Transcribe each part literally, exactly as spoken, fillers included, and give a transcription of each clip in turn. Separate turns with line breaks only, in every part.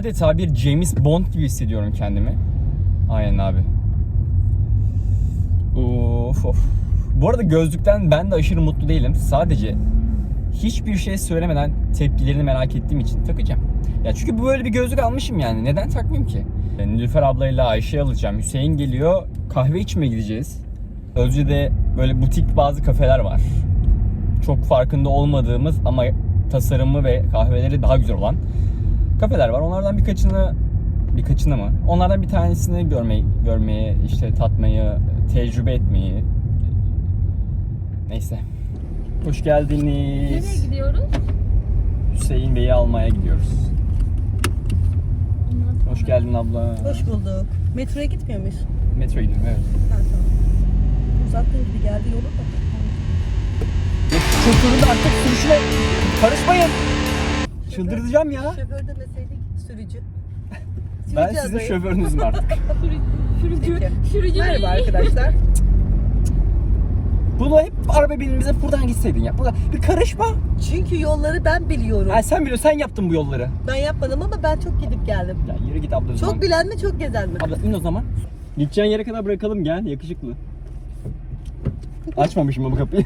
adeta bir James Bond gibi hissediyorum kendimi. Aynen abi. Of of. Bu arada gözlükten ben de aşırı mutlu değilim. Sadece hiçbir şey söylemeden tepkilerini merak ettiğim için takacağım. Ya çünkü bu böyle bir gözlük almışım yani. Neden takmayayım ki? Nilüfer ablayla Ayşe'yi alacağım. Hüseyin geliyor. Kahve içmeye gideceğiz. Özce'de böyle butik bazı kafeler var. Çok farkında olmadığımız ama tasarımı ve kahveleri daha güzel olan kafeler var. Onlardan birkaçını birkaçını mı? Onlardan bir tanesini görmeyi, görmeye, işte tatmayı, tecrübe etmeyi. Neyse. Hoş geldiniz.
Nereye gidiyoruz?
Hüseyin Bey'i almaya gidiyoruz. Hoş geldin abla.
Hoş bulduk. Metroya gitmiyor muyuz?
Metroya gidiyorum, evet.
Ha, tamam. Uzattığın gibi geldi yolu da.
Şoförün de artık sürüşüne karışmayın. Çıldıracağım ya.
Şoför demeseydik sürücü.
Ben
Sürücü
sizin
adayı.
şoförünüzüm artık.
Sürücü,
Peki.
sürücü
Merhaba
değil.
arkadaşlar.
Bunu hep araba binimize buradan gitseydin ya. Burada bir karışma.
Çünkü yolları ben biliyorum.
Ha, sen biliyorsun, sen yaptın bu yolları.
Ben yapmadım ama ben çok gidip geldim.
Ya yürü git abla o zaman.
Çok bilen mi çok gezen mi?
Abla in o zaman. Gideceğin yere kadar bırakalım, gel yakışıklı. Açmamışım bu kapıyı.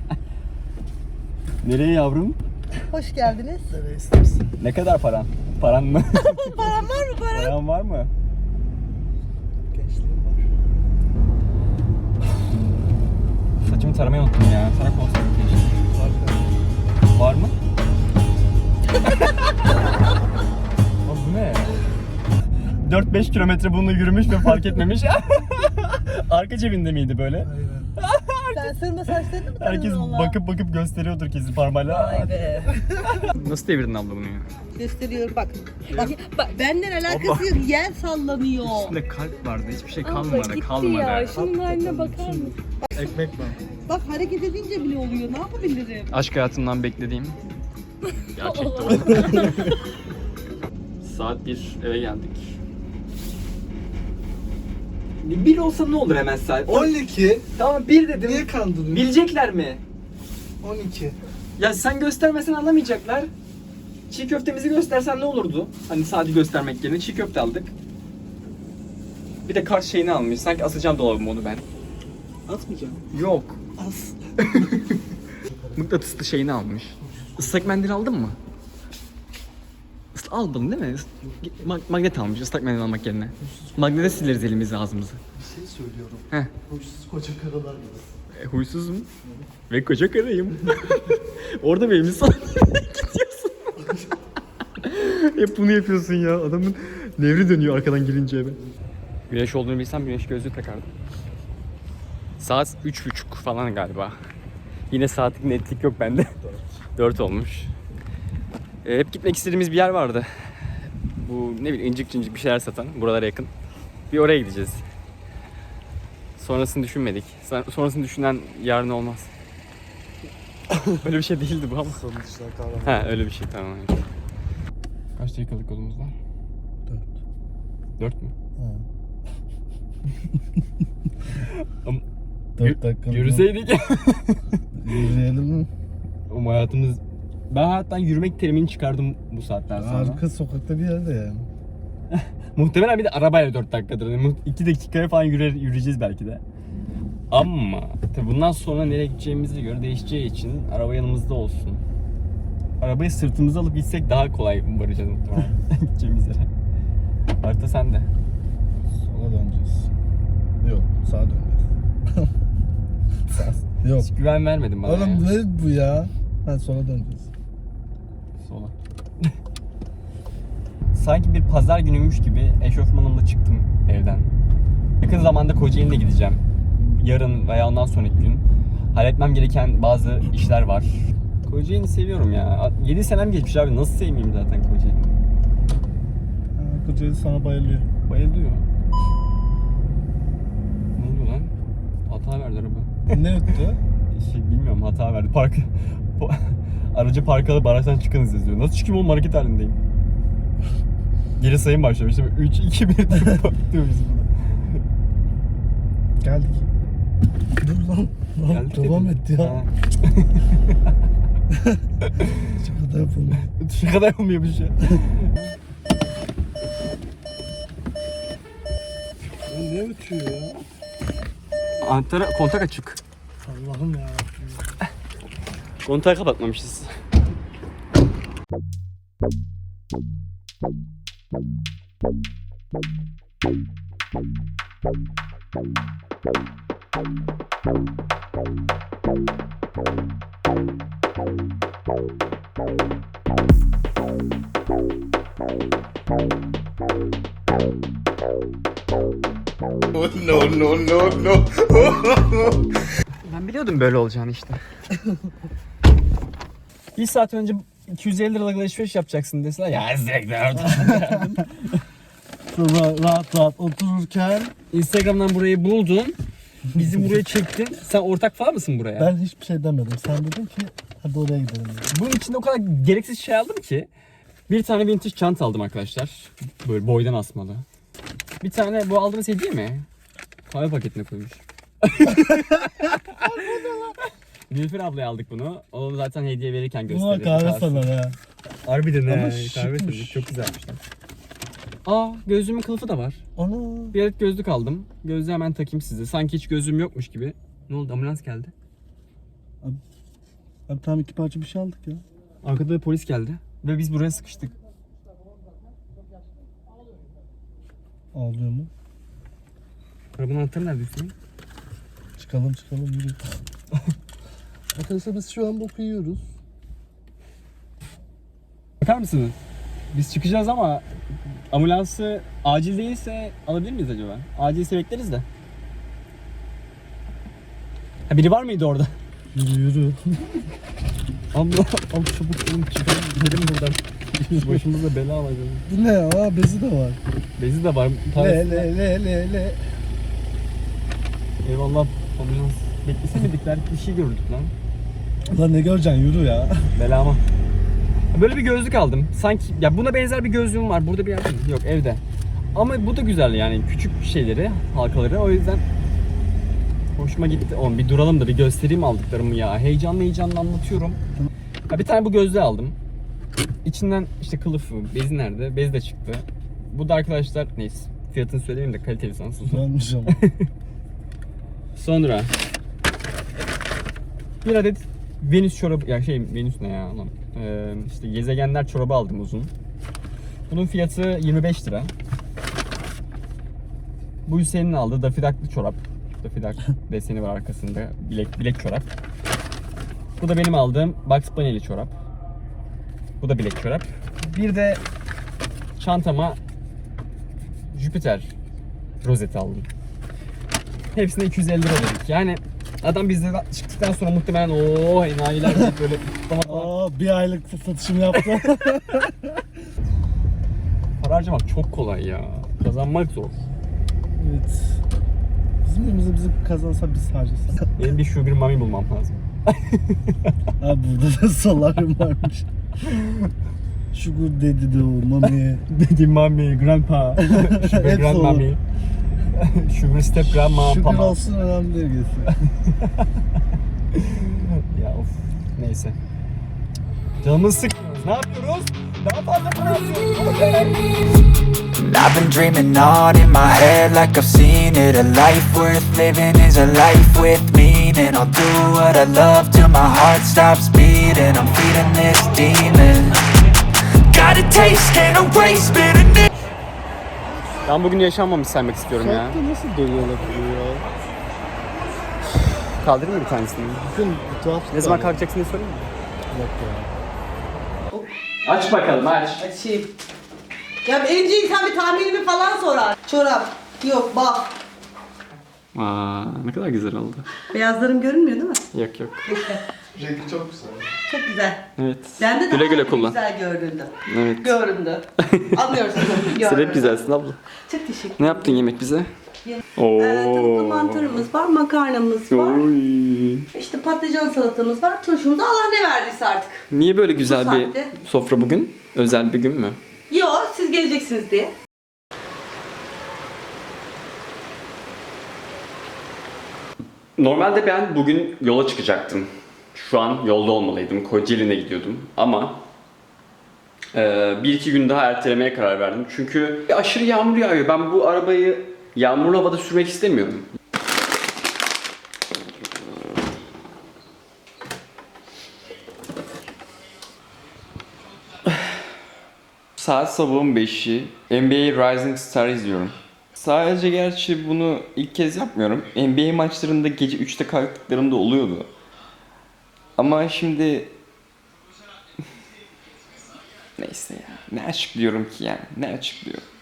Nereye yavrum?
Hoş geldiniz.
Ne kadar paran? Paran mı?
Param var mı param?
Paran var mı?
Gençliğim var.
Saçımı taramayı unuttum ya. Tarak olsaydı keşke. Var mı? Abi bu ne? dört beş kilometre bununla yürümüş ve fark etmemiş. Arka cebinde miydi böyle?
Aynen.
Sen sırma saçlarını mı tanıdın
Herkes
valla?
bakıp bakıp gösteriyordur kesin parmağıyla.
Vay be.
Nasıl devirdin abla bunu ya?
Gösteriyorum bak. Bak, bak benden alakası yok. Yer sallanıyor.
Üstünde kalp vardı, hiçbir şey
Abla
kalmadı,
gitti
kalmadı.
ya. Şunun haline bakar mısın?
Ekmek var.
Bak hareket edince bile oluyor. Ne yapabilirim?
Aşk hayatımdan beklediğim gerçekten oldu. Saat bir, eve geldik. Bir olsa ne olur hemen saat?
on iki.
Tamam bir dedim.
Niye kandırıyorsun?
Bilecekler mi?
on iki.
Ya sen göstermesen anlamayacaklar. Çiğ köftemizi göstersen ne olurdu? Hani sadece göstermek yerine çiğ köfte aldık. Bir de kart şeyini almış. Sanki asacağım dolabıma onu ben.
Atmayacağım.
Yok.
Az.
Mıknatıslı şeyini almış. Islak mendil aldın mı? Isla aldın değil mi? Ma- magnet almış ıslak mendil almak yerine. Magnete sileriz elimizi ağzımızı.
Bir şey söylüyorum.
Heh.
Huysuz koca karalar gibi.
E, huysuzum. Ve koca karayım. Orada bir elimizi gidiyorsun. Hep bunu yapıyorsun ya. Adamın nevri dönüyor arkadan girince eve. Güneş olduğunu bilsem güneş gözlüğü takardım. Saat üç buçuk falan galiba. Yine saatlik netlik yok bende. dört olmuş. E, hep gitmek istediğimiz bir yer vardı. Bu ne bileyim incik cincik bir şeyler satan. Buralara yakın. Bir oraya gideceğiz. Sonrasını düşünmedik. Sonrasını düşünen yarın olmaz. Öyle bir şey değildi bu ama.
Sonuçta kahraman.
Ha öyle bir şey tamam. Kaç dakikalık yolumuz var?
Dört.
Dört mü?
Ha.
Ama
Dört dakika.
yürüseydik.
Yürüyelim mi?
Ama hayatımız... Ben hayattan yürümek terimini çıkardım bu saatten sonra.
Arka sokakta bir yerde yani.
Muhtemelen bir de arabayla dört dakikadır. Yani iki dakikaya falan yürü, yürüyeceğiz belki de. Ama tabii bundan sonra nereye gideceğimize göre değişeceği için araba yanımızda olsun. Arabayı sırtımıza alıp gitsek daha kolay varacağız muhtemelen gideceğimiz yere. Harita sende.
Sola döneceğiz. Yok, sağa döneceğiz. Sağ. Yok.
Hiç güven vermedin bana ya.
Oğlum ne bu ya? Ha sola döneceğiz.
Sola. Sanki bir pazar günüymüş gibi eşofmanımla çıktım evden. Yakın zamanda Kocaeli'ne gideceğim. Yarın veya ondan sonraki gün. Halletmem gereken bazı işler var. Kocaeli'ni seviyorum ya. yedi senem geçmiş abi. Nasıl sevmeyeyim zaten Kocaeli'ni?
Ha, Kocaeli sana bayılıyor.
Bayılıyor. Ne oluyor lan? Hata verdi araba.
Ne öttü?
Şey, bilmiyorum hata verdi. Park... Aracı park alıp araçtan çıkınız yazıyor. Nasıl çıkayım oğlum, hareket halindeyim. Geri sayım başlamış. üç, iki, bir diye patlıyor bizim burada.
Geldik. Dur lan. Lan
Geldik
devam
dedim.
et ya.
Ha.
Şaka da yapılmıyor.
Şaka da yapılmıyor bir şey.
niye uçuyor ya?
Anahtarı kontak açık.
Allah'ım ya.
Kontağı kapatmamışız.
No, no, no, no.
Ben biliyordum böyle olacağını işte. Bir saat önce iki yüz elli liralık alışveriş yapacaksın deseler ya zevkler.
Sonra rahat rahat otururken
Instagram'dan burayı buldun. Bizi buraya çektin. Sen ortak falan mısın buraya?
ben hiçbir şey demedim. Sen dedin ki hadi oraya gidelim. Dedi.
Bunun içinde o kadar gereksiz şey aldım ki. Bir tane vintage çanta aldım arkadaşlar. Böyle boydan asmalı. Bir tane bu aldığınız hediye mi? Kahve paketine koymuş. Nilüfer ablaya aldık bunu. Onu zaten hediye verirken
Buna
gösterdi.
kahve sana ha.
Harbiden
Ama
he.
şıkmış.
Kahve tabii. Çok güzelmişler. Aa, gözlüğümün kılıfı da var.
Ana.
Bir adet gözlük aldım. Gözlüğü hemen takayım size. Sanki hiç gözlüğüm yokmuş gibi. Ne oldu? Ambulans geldi.
Abi tam iki parça bir şey aldık ya.
Arkada da polis geldi. Ve biz buraya sıkıştık.
Ağlıyor mu?
Arabanın anahtarı nerede Hüseyin?
Çıkalım çıkalım yürü. Arkadaşlar biz şu an boku yiyoruz.
Bakar mısınız? Biz çıkacağız ama ambulansı acil değilse alabilir miyiz acaba? Acilse bekleriz de. Ha, biri var mıydı orada?
Yürü yürü.
Allah, al çabuk oğlum çıkalım gidelim buradan. Başımızda bela var.
Bu ne ya? Bezi de var.
Bezi de var.
Le le le le le.
Eyvallah ambulans. Beklesemedik belki bir şey gördük lan.
Lan ne göreceksin yürü ya.
Belama. Böyle bir gözlük aldım. Sanki ya buna benzer bir gözlüğüm var. Burada bir yerde mi? Yok evde. Ama bu da güzel yani küçük şeyleri, halkaları. O yüzden hoşuma gitti. Oğlum bir duralım da bir göstereyim aldıklarımı ya. Heyecanlı heyecanlı anlatıyorum. Ha, bir tane bu gözlüğü aldım. İçinden işte kılıfı, bezi nerede? Bez de çıktı. Bu da arkadaşlar neyse. Fiyatını söyleyeyim de kaliteli sansın.
Güzelmiş ama.
Sonra bir adet Venüs çorabı, ya şey Venüs ne ya lan? Ee, işte gezegenler çorabı aldım uzun. Bunun fiyatı yirmi beş lira. Bu Hüseyin'in aldığı dafidaklı çorap. Dafidak deseni var arkasında. Bilek bilek çorap. Bu da benim aldığım Bugs Bunny'li çorap. Bu da bilek çorap. Bir de çantama Jüpiter rozeti aldım. Hepsine iki yüz elli lira dedik. Yani adam bizden çıktıktan sonra muhtemelen ooo enayiler deyip böyle kutlamalar.
Aa bir aylık satışım yaptı.
Para harcamak çok kolay ya. Kazanmak zor.
Evet. Bizim evimizde bizi kazansa biz harcasak.
Benim bir sugar mommy bulmam lazım.
Ha burada da solaryum varmış. Sugar dedi de o mami.
Dedi mommy, grandpa, sugar
Hepsi
grandmammy, sugar step grandma,
Sugar
pama.
olsun önemli değil gerisi.
Ya of. Neyse. Canımızı sıkmıyoruz. Ne yapıyoruz? Daha fazla para yapıyoruz.
And I've been dreaming on in my head like I've seen it. A life worth living is a life with meaning. I'll do what I love till my heart stops beating. I'm feeding this demon. Got a taste, can't erase bitterness.
Ben bugün yaşanmamış saymak istiyorum ya.
Şarkı nasıl dönüyor ya?
Kaldırayım mı bir tanesini?
Bugün tuhaf.
Ne zaman kalkacaksın diye sorayım mı?
Yok ya.
Aç bakalım aç.
Açayım. Ya önce insan bir tahminimi falan sorar. Çorap. Yok bak.
Aa, ne kadar güzel oldu.
Beyazlarım görünmüyor değil mi?
Yok yok.
Rengi çok güzel.
Çok güzel.
Evet.
Bende
Güle
daha
güle kullan.
güzel göründü.
Evet.
Göründü. Anlıyorsunuz.
Sen hep güzelsin abla.
Çok teşekkür
Ne yaptın yemek bize?
Ee, tavuklu mantarımız var, makarnamız var.
Oy.
İşte patlıcan salatamız var. Turşumuz da Allah ne verdiyse artık.
Niye böyle güzel
Bu
bir
saatte.
sofra bugün? Özel bir gün mü?
Yo, siz geleceksiniz diye.
Normalde ben bugün yola çıkacaktım. Şu an yolda olmalıydım. Kocaeli'ne gidiyordum. Ama e, bir iki gün daha ertelemeye karar verdim. Çünkü aşırı yağmur yağıyor. Ben bu arabayı Yağmurlu havada sürmek istemiyorum. Saat sabahın beşi. N B A Rising Star izliyorum. Sadece gerçi bunu ilk kez yapmıyorum. N B A maçlarında gece üçte kalktıklarımda oluyordu. Ama şimdi... Neyse ya. Ne açıklıyorum ki yani? Ne açıklıyorum?